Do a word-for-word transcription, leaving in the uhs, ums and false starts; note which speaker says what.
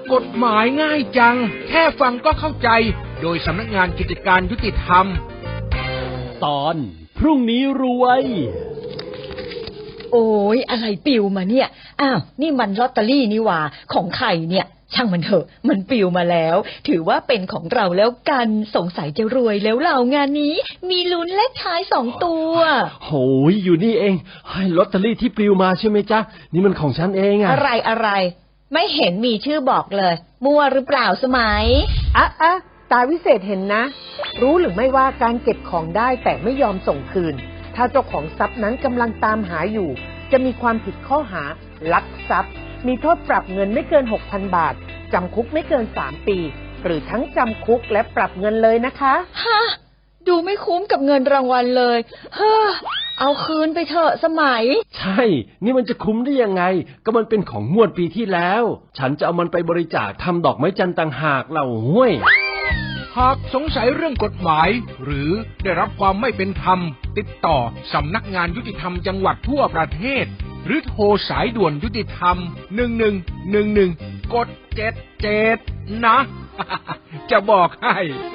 Speaker 1: กฎหมายง่ายจังแค่ฟังก็เข้าใจโดยสำนักงานกิจการยุติธรรม
Speaker 2: ตอนพรุ่งนี้รวย
Speaker 3: โอ้ยอะไรปิวมาเนี่ยอ้าวนี่มันลอตเตอรี่นี่หว่าของใครเนี่ยช่างมันเถอะมันปิวมาแล้วถือว่าเป็นของเราแล้วกันสงสัยจะรวยแล้วเรางานนี้มีลุ้นเลขท้ายสองตัว
Speaker 2: โหยอยู่นี่เองให้ลอตเตอรี่ที่ปลิวมาใช่ไหมจ๊ะนี่มันของฉันเองอะ
Speaker 3: อะไรอะไรไม่เห็นมีชื่อบอกเลยมั่วหรือเปล่าสมัย
Speaker 4: อ่ะอ่ะตาวิเศษเห็นนะรู้หรือไม่ว่าการเก็บของได้แต่ไม่ยอมส่งคืนถ้าเจ้าของทรัพย์นั้นกำลังตามหาอยู่จะมีความผิดข้อหาลักทรัพย์มีโทษปรับเงินไม่เกิน หกพัน บาทจำคุกไม่เกินสามปีหรือทั้งจำคุกและปรับเงินเลยนะคะ
Speaker 3: ฮะดูไม่คุ้มกับเงินรางวัลเลยเฮ้อเอาคืนไปเถอะสมัย
Speaker 2: ใช่นี่มันจะคุ้มได้ยังไงก็มันเป็นของงวดปีที่แล้วฉันจะเอามันไปบริจาคทำดอกไม้จันทร์ต่างหากเล่าห้วย
Speaker 1: หากสงสัยเรื่องกฎหมายหรือได้รับความไม่เป็นธรรมติดต่อสำนักงานยุติธรรมจังหวัดทั่วประเทศหรือโทรสายด่วนยุติธรรมหนึ่งหนึ่งหนึ่งหนึ่งกดเจ็ดเจ็ดนะจะบอกให้